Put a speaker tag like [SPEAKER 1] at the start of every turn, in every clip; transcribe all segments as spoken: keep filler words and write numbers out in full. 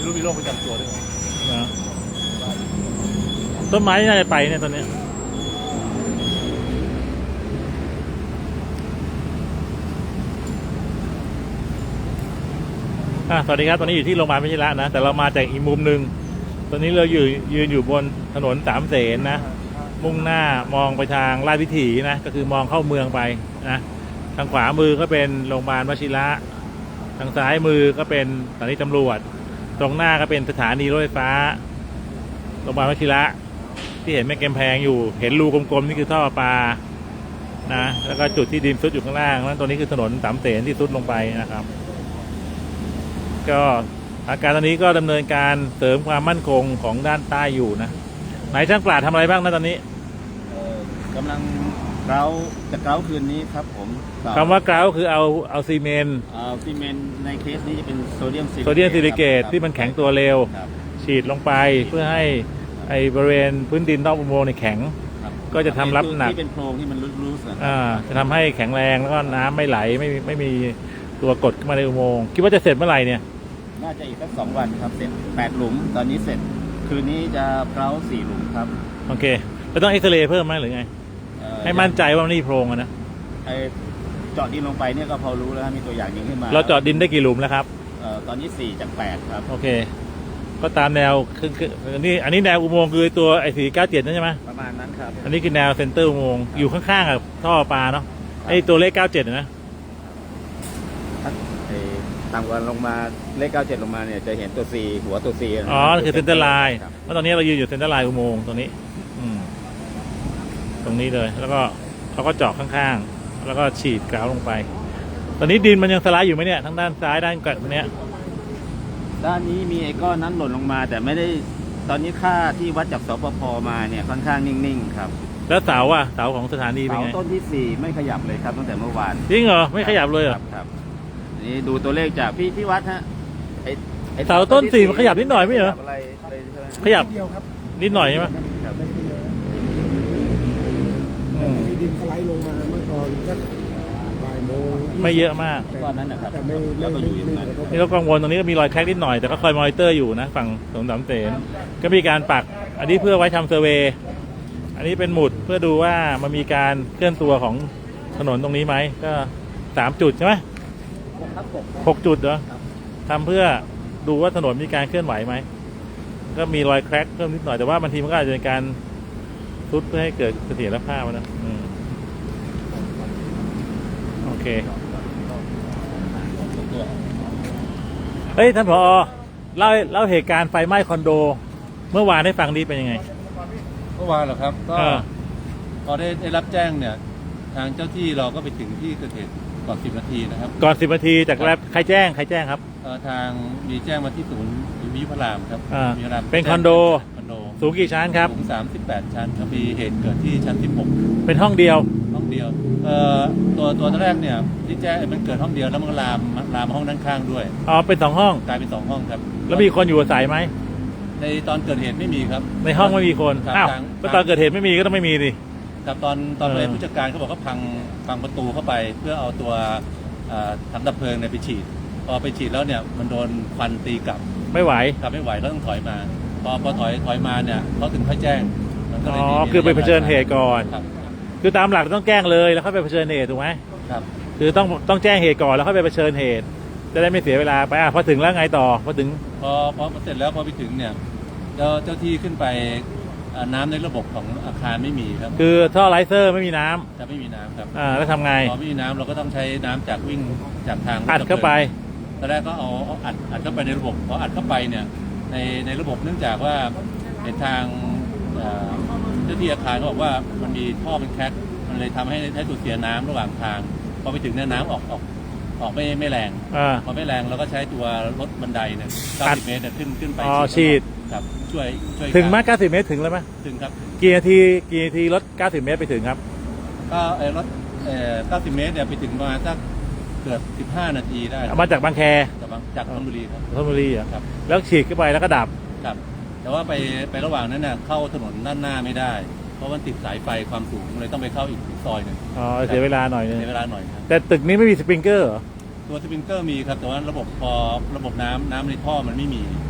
[SPEAKER 1] รู้มีโรคประจำตัวด้วย
[SPEAKER 2] นะต้นไม้น่าจะไปเนี่ยตอนนี้อ่ะสวัสดีครับตอนนี้อยู่ที่โรงพยาบาลวชิระนะแต่เรามาจากอีกมุมหนึ่งตอนนี้เราอยู่ยืนอยู่บนถนนสามเสนนะมุ่งหน้ามองไปทางราชวิถีนะก็คือมองเข้าเมืองไปนะทางขวามือก็เป็นโรงพยาบาลวชิระทางซ้ายมือก็เป็นสถานีตำรวจตรงหน้าก็เป็นสถานีรถไฟฟ้าโรงพยาบาลวชิระที่เห็นแม่กำแพงอยู่เห็นรูกลมๆนี่คือท่อปลานะแล้วก็จุดที่ดินซุดอยู่ข้างล่างนั้นตรงนี้คือถนนสามเสนที่ซุดลงไปนะครับก็อาการตอนนี้ก็ดำเนินการเสริมความมั่นคงของด้านใต้อยู่นะไหนช่างปราดทำอะไรบ้างนะตอนนี้
[SPEAKER 1] กำลังเกลาจะเกลาคืนนี้ครับผม
[SPEAKER 2] คำว่าเกลาคือเอาเอาซีเมนต์
[SPEAKER 1] เอาซีเมนต์ในเคสนี้จะเป็นโซเดียม
[SPEAKER 2] โซเดียมซิลิเกตที่มันแข็งตัวเร็วฉีดลงไปเพื่อให้ไอบริเวณพื้นดินนอกอุโมงค์ในแข็งก็จะทำรับหนัก
[SPEAKER 1] ที่เป็นโพรงที่มันรูด
[SPEAKER 2] ๆอ่าจะทำให้แข็งแรงแล้วก็น้ำไม่ไหลไม่ไม่มีตัวกดขึ้นมาในอุโมงค์คิดว่าจะเสร็จเมื่อไหร่เนี่ย
[SPEAKER 1] น่าจะอีกสักสองวันครับเสร็จแปดหลุมตอนนี้เสร็จคืนนี้จะเกลาสี่หลุมครับ
[SPEAKER 2] โอเคแล้วต้องเอ็กซเรย์เพิ่มไหมหรือไงให้มั่นใจว่ามันนี่โพรงนะ
[SPEAKER 1] ไอเจาะดินลงไปเนี่ยก็พอรู้แล้วมีตัวอย่างยิงขึ้นมา
[SPEAKER 2] เราเจาะดินได้กี่หลุมแล้วครับ
[SPEAKER 1] ตอนนี้สี่จากแปดครับ
[SPEAKER 2] โอเคก็ตามแนวคือคืออันนี้อันนี้แนวอุโมงค์คือตัวไอ้สี่เก้าเจ็ดนั่นใช่ไหม
[SPEAKER 1] ประมาณนั้นครับ
[SPEAKER 2] อันนี้คือแนวเซ็นเตอร์อุโมงค์อยู่ข้างๆกับท่อปลาเนาะไอ้ตัวเลขเก้าเจ็ดนะ
[SPEAKER 1] ต่ำกว่าลงมาเลขเก้าเจ็ดลงมาเนี่ยจะเห็นตัว C หัวตัว C
[SPEAKER 2] อ๋อคือเซ็นเตอร์ไลน์เพราะตอนนี้เรายืนอยู่เซ็นเตอร์ไลน์อุโมงค์ตรงนี้อืมตรงนี้เลยแล้วก็เขาก็เจาะข้างๆแล้วก็ฉีดกราวลงไปตอนนี้ดินมันยังสไลด์อยู่ไหมเนี่ยทั้งด้านซ้ายด้านกลางเนี้ย
[SPEAKER 1] ด้านนี้มีไอ้ก้อนนั้นหล่นลงมาแต่ไม่ได้ตอนนี้ค่าที่วัดจากสปภมาเนี่ยค่อนข้างนิ่งๆครับ
[SPEAKER 2] แล้วเสาอ่ะเสาของสถานีเป็นไง
[SPEAKER 1] เสาต้นที่สี่ไม่ขยับเลยครับตั้งแต่เมื่อวาน
[SPEAKER 2] จริงเหรอไม่ขยับเลยเหรอ
[SPEAKER 1] ครับนี่ดูตัวเลขจากพี่พี่วัดฮะไ
[SPEAKER 2] อ้เสาต้นสี่มันขยับนิดหน่อยไม่เหรอขยับนิดหน่อยใช่ไหม
[SPEAKER 3] มีดินสไลด์ลงมาเมื่อตอนสักบ่ายโมง
[SPEAKER 2] ไม่เยอะมาก
[SPEAKER 1] ก้อนนั้นนะครับ
[SPEAKER 2] แล้วก็อยู่อย่างนั้นนี่เรากังวลตรงนี้ก็มีรอยแคร็กนิดหน่อยแต่ก็คอยมอนิเตอร์อยู่นะฝั่งสงสามเสนก็มีการปักอันนี้เพื่อไว้ทำเซอร์เวย์อันนี้เป็นหมุดเพื่อดูว่ามันมีการเคลื่อนตัวของถนนตรงนี้ไหมก็สามจุดใช่ไหมหกจุดเหรอทำเพื่อดูว่าถนนมีการเคลื่อนไหวไหมก็มีรอยแคร็กเพิ่มนิดหน่อยแต่ว่าบางทีมันก็อาจจะเป็นการทุบเพื่อให้เกิดเสถียรภาพนะโอเคเฮ้ยท่านผอเล่าเล่าเหตุการณ์ไฟไหม้คอนโดเมื่อวานให้ฟังดีเป็นยังไง
[SPEAKER 4] เมื่อวานเหรอครับก็พอได้ได้รับแจ้งเนี่ยทางเจ้าที่เราก็ไปถึงที่เกิดเหตุก่อนสิบนาทีนะครับ
[SPEAKER 2] ก่อนสิบนาทีจากแรกใครแจ้งใครแจ้งครับ
[SPEAKER 4] ทางมีแจ้งมาที่ศูนย์วิทยุพระรามครับ
[SPEAKER 2] วิทยุพระรามเป็นคอนโด
[SPEAKER 4] คอนโด
[SPEAKER 2] สูงกี่ชั้นครับ
[SPEAKER 4] สูงสามสิบแปดชั้นครับมีเหตุเกิดที่ชั้นสิบหก
[SPEAKER 2] เป็นห้องเดียว
[SPEAKER 4] ห้องเดียวเอ่อตัวตัวแรกเนี่ยที่แจ้งมันเกิดห้องเดียวแล้วมันลามลามห้องด้านข้างด้วย
[SPEAKER 2] อ๋อเป็นสองห้อง
[SPEAKER 4] กลายเป็นสองห้องครับ
[SPEAKER 2] แล้วมีคนอยู่อาศัยไหม
[SPEAKER 4] ในตอนเกิดเหตุไม่มีครับ
[SPEAKER 2] ในห้องไม่มีคนอ้าวก็ตอนเกิดเหตุไม่มีก็ต้องไม่มีดิ
[SPEAKER 4] ครับตอนตอนเลยผู้จัดการเขาบอกเขาพังพังประตูเข้าไปเพื่อเอาตัวถังดับเพลิงเนี่ยไปฉีดพอไปฉีดแล้วเนี่ยมันโดนควันตีกลับ
[SPEAKER 2] ไม่ไหว
[SPEAKER 4] กลับไม่ไหวก็ต้องถอยมาพอพอถอยถอยมาเนี่ยเขาถึงค่อยแจ้ง
[SPEAKER 2] อ๋อคือไปเผชิญเหตุก่อนคือตามหลักต้องแจ้งเลยแล้วค่อยไปเผชิญเหตุถูกไหม
[SPEAKER 4] ครับ
[SPEAKER 2] คือต้องต้องแจ้งเหตุก่อนแล้วค่อยไปเผชิญเหตุจะได้ไม่เสียเวลาไปอ่ะพอถึงแล้วไงต่อพอถึง
[SPEAKER 4] พอพอเสร็จแล้วพอไปถึงเนี่ยเจ้าเจ้าที่ขึ้นไปน้ำในระบบของอาคารไม่มีครับ
[SPEAKER 2] คือท่อไลเซอร์ไม่มีน้
[SPEAKER 4] ำจะไม่มีน้ำครับ
[SPEAKER 2] อ่าแล้วทำไง
[SPEAKER 4] พอไม่มีน้ำเราก็ต้องใช้น้ำจากวิ่งจากทาง
[SPEAKER 2] อัดเข้าไป
[SPEAKER 4] ตอนแรกก็เอาอัดอัดเข้าไปในระบบพออัดเข้าไปเนี่ยในในระบบเนื่องจากว่าในทางเจ้าที่อาคารเขาบอกว่ามันมีท่อเป็นแคร็กมันเลยทำให้ใช้สูญเสียน้ำระหว่างทางพอไปถึงเนี่ยน้ำออกออกออกไม่ไม่แรงพอไม่แรงเราก็ใช้ตัวรถบันไดเนี่ยเก้าสิบเมตรเนี่ยขึ้นขึ้นไป
[SPEAKER 2] ฉีด
[SPEAKER 4] ครับช่วยช่วย
[SPEAKER 2] ถึงมากเก้าสิบเมตรถึงแล้วไหม
[SPEAKER 4] ถึงครับ
[SPEAKER 2] กี่นาทีกี่นาทีรถเก้าสิบเมตรไปถึงครับ
[SPEAKER 4] ก็ไอ้รถเอ่อเก้าสิบเมตรเนี่ยไปถึงประมาณสักเกือบสิบห้านาทีได้
[SPEAKER 2] มาจากบางแค
[SPEAKER 4] จากจากธนบุรีครับ
[SPEAKER 2] ธนบุรีครับแล้วฉีดเข้าไปแล้วก็ดับ
[SPEAKER 4] ครับแต่ว่าไปไประหว่างนั้นเนี่ยเข้าถนนด้านหน้าไม่ได้เพราะมันติดสายไฟความสูงเลยต้องไปเข้าอีกซอยหนึ่ง
[SPEAKER 2] อ๋อเสียเวลาหน่อยนึง
[SPEAKER 4] เสียเวลาหน่อยครับ
[SPEAKER 2] แต่ตึกนี้ไม่มีสปริงเกอร์เหรอ
[SPEAKER 4] ตัวสปริงเกอร์มีครับแต่ว่าระบบพอระบบน้ำน้ำในท่อมันไม่มี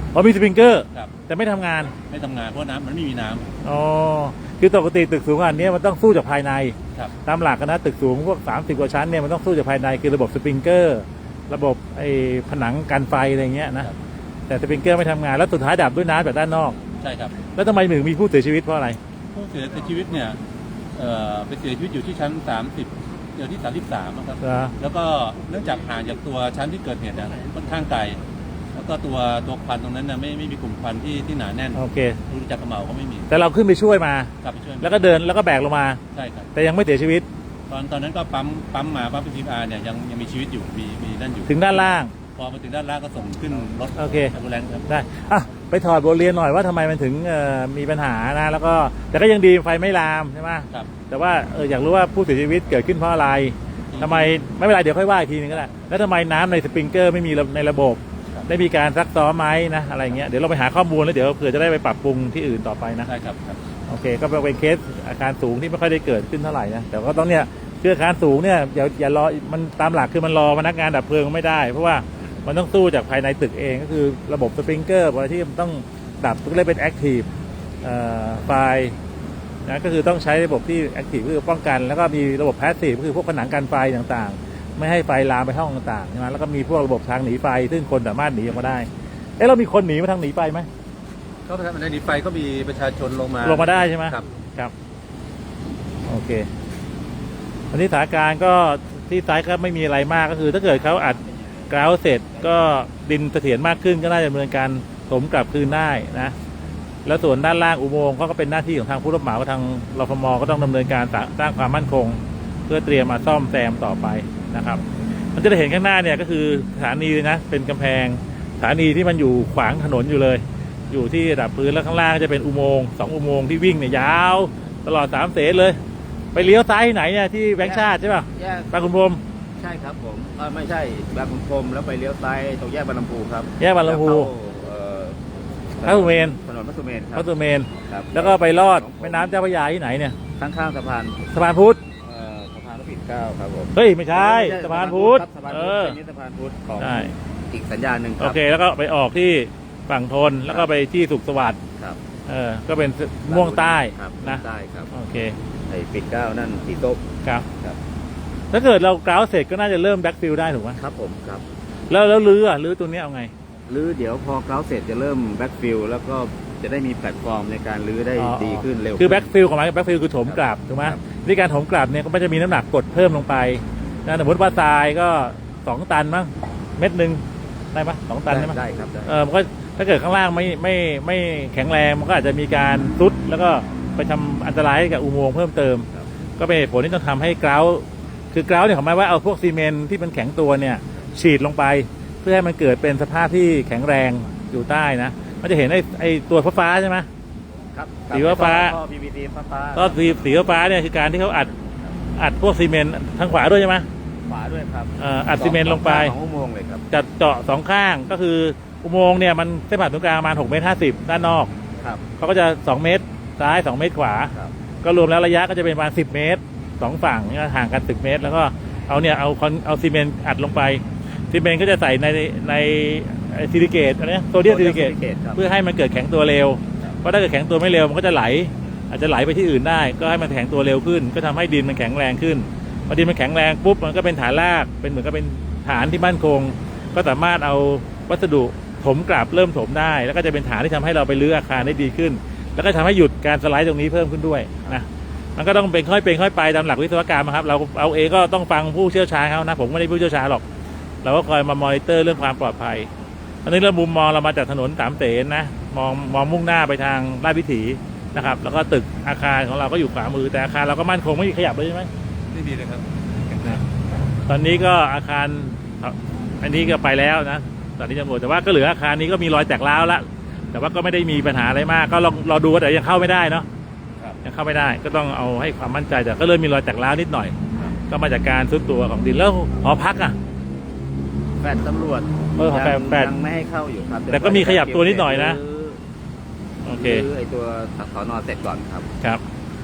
[SPEAKER 2] อ๋อมีสปริงเกอร์
[SPEAKER 4] ครับ
[SPEAKER 2] แต่ไม่ทำงาน
[SPEAKER 4] ไม่ทำงานเพราะน้ำมันไม่มีน้ำ
[SPEAKER 2] อ๋อคือปกติตึกสูงอันนี้มันต้องสู้จากภายใน
[SPEAKER 4] ครับ
[SPEAKER 2] ตามหลักนะตึกสูงพวกสามสิบกว่าชั้นเนี่ยมันต้องสู้จากภายในคือระบบสปริงเกอร์ระบบไอ้ผนังกันไฟอะไรเงี้ยนะครับ แต่สปริงเกอร์ไม่ทำงานแล้วสุดท้ายดับด้วยน้ำจากด้านนอก
[SPEAKER 4] ใช่ครับ
[SPEAKER 2] แล้วทำไมถึงมีผู้เสียชีวิตเพราะอะไร
[SPEAKER 4] ผู้เสียชีวิตเนี่ยเอ่อไปเสียชีวิตอยู่ที่ชั้นสามสิบเดี๋ยวที่สามสิบสามครับ
[SPEAKER 2] เหรอ
[SPEAKER 4] แล้วก็เนื่องจากห่างจากตัวชั้นที่เกิดเหตุเนี่ยค่อนข้างไกลแล้วก็ตัวตัวควันตรงนั้นน่ะไม่ไม่มีกลุ่มควันที่ที่หนาแน่น
[SPEAKER 2] โอเค
[SPEAKER 4] ดูจากกระเหมาก็ไม่มี
[SPEAKER 2] แต่เราขึ้นไปช่วยมา
[SPEAKER 4] กลับไปช่วย
[SPEAKER 2] แล้วก็เดินแล้วก็แบกลงมา
[SPEAKER 4] ใช่ครับ
[SPEAKER 2] แต่ยังไม่เสียชีวิต
[SPEAKER 4] ตอนตอนนั้นก็ปั๊มปั๊มมาปั๊มพีอาร์เนี่ยยังยังมีชีวิตอยู่มีมีนั่นอยู่
[SPEAKER 2] ถึงด้านล่าง
[SPEAKER 4] พอมาถึงด้านล่างก็ส่งขึ้นรถ
[SPEAKER 2] โอเค
[SPEAKER 4] แอมบูเลนซ์ครับ
[SPEAKER 2] ได้อ่ะไปถอดบทเรียนหน่อยว่าทำไมมันถึงเอ่อมีปัญหานะแล้วก็แต่ก็ยังดีไฟไม่ลามใช่ไหม
[SPEAKER 4] ครับ
[SPEAKER 2] แต่ว่าเอออยากรู้ว่าผู้เสียชีวิตเกิดขึ้นเพราะอะไรทำไมไม่เป็นไรเดี๋ยวค่อยว่าอีกทีนึงก็ได้แล้วทำไมน้ำในสปริงเกอร์ไม่มีในระบบ ได้มีการซักซ้อมไหมนะอะไรเงี้ยเดี๋ยวเราไปหาข้อมูลแล้วเดี๋ยวเผื่อจะได้ไปปรับปรุงที่อื่นต่อไปนะ
[SPEAKER 4] ใช่ครับครับ
[SPEAKER 2] โอเคก็เป็นเคสอาคารสูงที่ไม่ค่อยได้เกิดขึ้นเท่าไหร่นะแต่ก็ต้องเนี่ยคืออาคารสูงเนี่ยอย่าอย่ารอมันตามหลักคือมันรอพนักงานดับเพลิงไม่ได้ เพราะว่ามันต้องสู้จากภายในตึกเองก็คือระบบสปริงเกอร์ที่มันต้องดับก็เลยเป็นแอคทีฟไฟนะก็คือต้องใช้ระบบที่แอคทีฟคือป้องกันแล้วก็มีระบบแพสซีฟก็คือพวกผนังกันไฟต่างๆไม่ให้ไฟลามไปห้องต่างๆใช่ไหมแล้วก็มีพวกระบบทางหนีไฟซึ่งคนสามารถหนีออกมาได้เอ๊ะเรามีคนหนีมาทางหนีไฟไหม
[SPEAKER 4] ก็ในนี้ไฟก็มีประชาชนลงมา
[SPEAKER 2] ลงมาได้ใช่ไหม
[SPEAKER 4] ครับ
[SPEAKER 2] ครับโอเควันนี้สถานการณ์ก็ที่ซ้ายก็ไม่มีอะไรมากก็คือ ถ้าเกิดเขาอัดกราวเสร็จก็ดินเสถียรมากขึ้นก็น่าจะดำเนินการถมกลับคืนได้นะแล้วส่วนด้านล่างอุโมงค์ก็เป็นหน้าที่ของทางผู้รับเหมาทางรฟมก็ต้องดำเนินการสร้างความมั่นคง เพื่อเตรียมมาซ่อมแซมต่อไปนะครับมันจะได้เห็นข้างหน้าเนี่ยก็คือสถานีนะเป็นกำแพงสถานีที่มันอยู่ขวางถนนอยู่เลย อยู่ที่ระดับพื้นแล้วข้างล่างก็จะเป็นอุโมงค์สองอุโมงค์ที่วิ่งเนี่ยยาวตลอดสามเสนเลย ไปเลี้ยวซ้ายที่ไหนเนี่ยที่แบงค์ชาติใช่ป่ะ
[SPEAKER 1] แยก
[SPEAKER 2] บางขุนพรหม
[SPEAKER 1] ใช่ครับผมเออไม่ใช่บางขุนพรหมแล้วไปเลี้ยวซ้ายตรงแยกบางลำพูครับ
[SPEAKER 2] แยกบางลำพู
[SPEAKER 1] แล้วเข้าเอ่อ
[SPEAKER 2] พระสุเมน
[SPEAKER 1] ถนนพระสุเมนค
[SPEAKER 2] พ
[SPEAKER 1] รั
[SPEAKER 2] ระสุเมน
[SPEAKER 1] ครับ
[SPEAKER 2] แล้วก็ไปลอดแม่น้ำเจ้าพระยาที่ไหนเนี่ย
[SPEAKER 1] ข้างๆสะพาน
[SPEAKER 2] สะพานพุทธ
[SPEAKER 1] เอ่อสะพานพระปิ่นเกล้าครับผม
[SPEAKER 2] เฮ้ยไม่ใช่สะพานพุทธ
[SPEAKER 1] ครับสะพาน
[SPEAKER 2] เอ
[SPEAKER 1] พุทธ
[SPEAKER 2] อ
[SPEAKER 1] อันนี้สะพานพุทธของ
[SPEAKER 2] ใช่
[SPEAKER 1] อีกสัญญาณหนึ่งค
[SPEAKER 2] โอ
[SPEAKER 1] รับ
[SPEAKER 2] เคแล้วก็ไปออกที่ฝั่งทนแล้วก็ไปที่สุขสวัสดิ์
[SPEAKER 1] ครับ
[SPEAKER 2] เออก็เป็นม่วงใต้
[SPEAKER 1] ครับ
[SPEAKER 2] นะ
[SPEAKER 1] ใต้ครับ
[SPEAKER 2] โอเค
[SPEAKER 1] ไอ้ปิ่นเกล้านั่นสีส้ม
[SPEAKER 2] ครับ
[SPEAKER 1] ครับ
[SPEAKER 2] ถ้าเกิดเรากราวเสร็จก็น่าจะเริ่มแบ็กฟิลได้ถูกไหม
[SPEAKER 1] ครับผมครับ
[SPEAKER 2] แล้วแล้วลื้ออ่ะลื้อตัวเนี้ยเอาไง
[SPEAKER 1] หรือเดี๋ยวพอเกล้าเสร็จจะเริ่มแบ็กฟิลแล้วก็จะได้มีแพลตฟอร์มในการลื้อได้
[SPEAKER 2] อ๋อ
[SPEAKER 1] ดีขึ้นเร็ว
[SPEAKER 2] คือ
[SPEAKER 1] ขึ้น
[SPEAKER 2] แบ็กฟิลของมันแบ็กฟิลคือถมกลับถูกไหม
[SPEAKER 1] ครับ
[SPEAKER 2] ในการถมกลับเนี่ยก็ไม่จะมีน้ำหนักกดเพิ่มลงไปนะสมมติว่าทรายก็สองตันมั้งเม็ดหนึ่งได้ปะสองตันได้ไหม
[SPEAKER 1] ได้ครับได้
[SPEAKER 2] เออมันก็ถ้าเกิดข้างล่างไม่ไม่ไม่แข็งแรงมันก็อาจจะมีการซุดแล้วก็ไปทำอันตรายให้กับอุโมงค์เพิ่มเติม
[SPEAKER 1] ครับ
[SPEAKER 2] ก็เป็นเหตุผลที่ต้องทำให้กราวคือกราวเนี่ยของหมายว่าเอาพวกซีเมนต์ที่มันแข็งตัวเนี่ยฉีดลงไป เพื่อให้มันเกิดเป็นสภาพที่แข็งแรงอยู่ใต้นะมันจะเห็นไอ้ไอ้ตัวฟ้าๆใช่ไหม
[SPEAKER 1] ครับ
[SPEAKER 2] สีฟ้า
[SPEAKER 1] ท่อ พี วี ซี ฟ้าฟ้า
[SPEAKER 2] ก็สีสีฟ้าเนี่ยคือการที่เขาอัดอัดพวกซีเมนต์ทางขวาด้วยใช่ไหม
[SPEAKER 1] ขวาด้วยครับ
[SPEAKER 2] เอ่ออัดซีเมนต์ลงไป
[SPEAKER 1] สองอุโมงค์เลยครับ
[SPEAKER 2] จัดเจาะสองข้างก็คืออุโมงค์เนี่ยมันเส้นผ่านศูนย์กลางประมาณหกเมตรห้าสิบด้านนอก
[SPEAKER 1] ครับ
[SPEAKER 2] เขาก็จะสองเมตรซ้ายสองเมตรขวา
[SPEAKER 1] ครับ
[SPEAKER 2] ก็รวมแล้วระยะก็จะเป็นประมาณสิบเมตรสองฝั่งเนี่ยห่างกันสิบเมตร แล้วก็เอาเนี่ยเอาคอนเอาซีเมนต์อัดลงไปซีเมนต์ก็จะใส่ในในซิลิเกตอะไรโซเดียมซิลิเกต
[SPEAKER 1] ครับ
[SPEAKER 2] เพื่อให้มันเกิดแข็งตัวเร็วเพราะถ้าเกิดแข็งตัวไม่เร็วมันก็จะไหล อาจจะไหลไปที่อื่นได้ ก็ให้มันแข็งตัวเร็วขึ้น ก็ทำให้ดินมันแข็งแรงขึ้นพอดินมันแข็งแรงปุ๊บมันก็เป็นฐานรากเป็นเหมือนกับเป็นฐานที่มั่นคง ก็สามารถเอาวัสดุถมกลับเริ่มถมได้ แล้วก็จะเป็นฐานที่ทำให้เราไปรื้ออาคารได้ดีขึ้น แล้วก็ทำให้หยุดการสไลด์ตรงนี้เพิ่มขึ้นด้วยนะมันก็ต้องเป็นค่อยเป็นค่อยไปตามหลักวิศวกรรมครับเราเอาเองก็ต้องฟังผู้เชี่ยวชาญเขานะผมไม่ได้ผู้เชี่ยวชาญหรอกเราก็คอยมามอนิเตอร์เรื่องความปลอดภัยอันนี้เรามุมมองเรามาจากถนนสามเสนนะมองมองมุ่งหน้าไปทางราชวิถีนะครับแล้วก็ตึกอาคารของเราก็อยู่ขวามือแต่อาคารเราก็มั่นคงไม่มีขยับเลยใช่ไหม
[SPEAKER 4] ไม่มีเลยครับ
[SPEAKER 2] ตอนนี้ก็อาคารอันนี้ก็ไปแล้วนะตอนนี้ตำรวจแต่ว่าก็เหลืออาคารนี้ก็มีรอยแตกร้าวแล้วแต่ว่าก็ไม่ได้มีปัญหาอะไรมากก็ลองรอดูแต่ยังเข้าไม่ได้เนาะ
[SPEAKER 4] ครับ
[SPEAKER 2] ยังเข้าไม่ได้ก็ต้องเอาให้ความมั่นใจแต่ก็เริ่มมีรอยแตกร้าวนิดหน่อย ก็มาจากการซุดตัวของดินแล้วหอพักอ่ะ
[SPEAKER 1] แฟดตำรวจ
[SPEAKER 2] เออแฟดแฟด
[SPEAKER 1] ยังไม่ให้เข้าอยู่ครับ
[SPEAKER 2] แต่ก็มีขยับตัวนิดหน่อยนะ โอเค
[SPEAKER 1] คือไอตัวสอนอเสร็จก่อนครับ
[SPEAKER 2] ครับ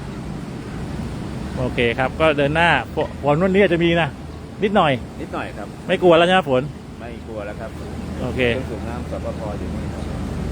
[SPEAKER 2] โอเคครับก็เดินหน้าฝฝนวันนี้อาจจะมีนะนิดหน่อย
[SPEAKER 1] นิดหน่อยครับ
[SPEAKER 2] ไม่กลัวแล้วใช่ไหมฝน
[SPEAKER 1] ไม่กลัวแล้วครับ
[SPEAKER 2] โอเค
[SPEAKER 1] เครื่องสูบน้ำสปปอยู่นี่ครับ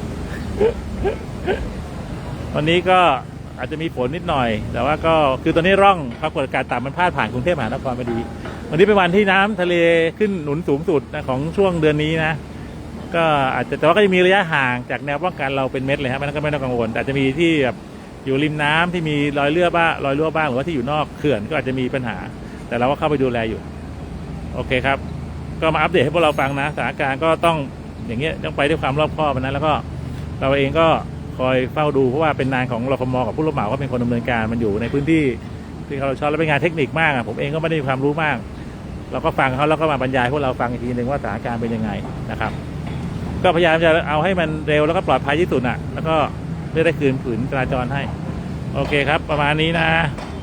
[SPEAKER 2] วันนี้ก็อาจจะมีฝนนิดหน่อย แต่ว่าก็คือตอนนี้ร่องความกดอากาศต่ำมันพาดผ่านกรุงเทพมหานครพอดีวันนี้เป็นวันที่น้ำทะเลขึ้นหนุนสูงสุดนะของช่วงเดือนนี้นะก็อาจจะแต่ว่าก็จะมีระยะห่างจากแนวป้องกันเราเป็นเม็ดเลยครับมันก็ไม่ต้องกังวลแต่อาจจะมีที่แบบอยู่ริมน้ำที่มีรอยเลือบ้างรอยรั่วบ้างหรือว่าที่อยู่นอกเขื่อนก็อาจจะมีปัญหาแต่เราก็เข้าไปดูแลอยู่โอเคครับก็มาอัปเดตให้พวกเราฟังนะสถานการณ์ก็ต้องอย่างเงี้ยต้องไปด้วยความรอบคอบนะแล้วก็เราเองก็คอยเฝ้าดูเพราะว่าเป็นงานของรฟม.กับผู้รับเหมาก็เป็นคนดำเนินการมันอยู่ในพื้นที่ที่เขาชอบและเป็นงานเทคนิคมากผมเองก็ไม่ได้มีความรู้มากเราก็ฟังเขาแล้วก็มาบรรยายพวกเราฟังอีกทีหนึ่งว่าสถานการณ์เป็นยังไงนะครับก็พยายามจะเอาให้มันเร็วแล้วก็ปลอดภัยที่สุดอ่ะแล้วก็เพื่อได้คืนผืนจราจรให้โอเคครับประมาณนี้นะ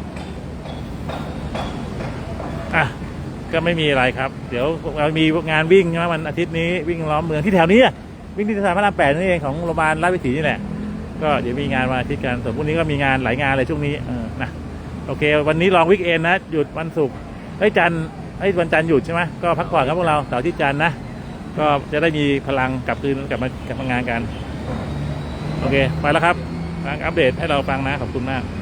[SPEAKER 2] อ่ะก็ไม่มีอะไรครับเดี๋ยวเรามีงานวิ่งใช่ไหมวันอาทิตย์นี้วิ่งล้อมเมืองที่แถวนี้วิ่งที่สะพานพระรามแปดนี่เองของโรงพยาบาลราชวิถีนี่แหละก็เดี๋ยวมีงานวันอาทิตย์กันส่วนพรุ่งนี้ก็มีงานหลายงานเลยช่วงนี้เออนะโอเควันนี้ลองวิกเอนนะหยุดวันศุกร์ไอ้จันทร์ไอ้วันจันทร์หยุดใช่ไหมก็พักผ่อนครับพวกเราเสาร์อาทิตย์จันทร์นะก็จะได้มีพลังกลับคืนกลับมากลับมางานกันโอเคไปแล้วครับอัปเดตให้เราฟังนะขอบคุณมาก